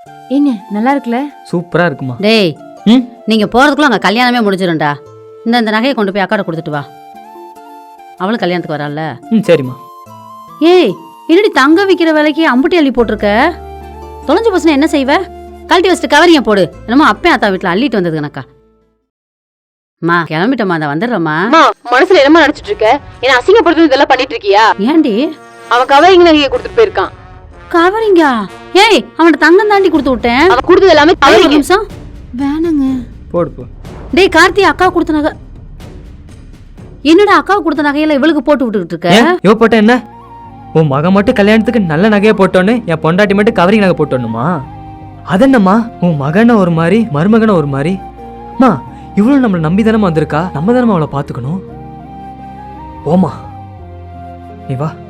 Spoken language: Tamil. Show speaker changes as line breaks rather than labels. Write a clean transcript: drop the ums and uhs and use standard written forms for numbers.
ஏங்க நல்லா இருக்குல்ல?
சூப்பரா இருக்குமா.
டேய்
ம்
நீங்க போறதுக்குள்ள அங்க கல்யாணமே முடிஞ்சிடும்டா. இந்த நகையை கொண்டு போய் அக்காட்ட கொடுத்துட்டு வா. அவளும் கல்யாணத்துக்கு வரால.
ம் சரிம்மா.
ஏய் என்னடி தங்க விக்கிற விலைக்கு அம்புட்டி அள்ளி போட்டிருக்க? தொலைஞ்சு போச்சுன்னா என்ன செய்வ? கழட்டி வச்சுட்டு கவரிங்க போடு. என்னமோ அப்பே அத்தா வீட்டுல அள்ளிட்டு வந்தது கணக்கா. மா கிளம்பிட்டோமா, அந்த வந்துடுறோமா.
மனசுல என்னமா நினைச்சிட்டு இருக்க? என்ன அசிங்கப்படுத்துறது இதெல்லாம் பண்ணிட்டு இருக்கியா?
ஏண்டி
அவன் கவரிங் நகையை கொடுத்துட்டு போயிருக்கான்.
கவரிங்கா? ஏய் அவன்கிட்ட தங்கம் தாண்டி கொடுத்து விட்டேன்.
அவன் கொடுத்தது எல்லாமே
ஒரு
கவரிங்.
நிமிஷம் வேணாங்க.
போடு போ.
டேய் கார்த்தி, அக்கா கொடுத்த நகை என்னடா? அக்கா கொடுத்த நகையில இவளுக்கு போட்டு விட்டுக்கிட்டு இருக்க?
ஏன் இவ போட்ட என்ன? உன் மகன் மட்டும் கல்யாணத்துக்கு நல்ல நகையை போட்டோன்னு என் பொண்டாட்டி மட்டும் கவரிங் நகை போட்டோன்னுமா? அதென்னம்மா உன் மகனை ஒரு மாதிரி மருமகனை ஒரு மாதிரி? மா இவ்வளவு நம்மளை நம்பி தானே வந்திருக்கா, நம்ம தானே அவளை பார்த்துக்கணும். ஓமா நீ வா.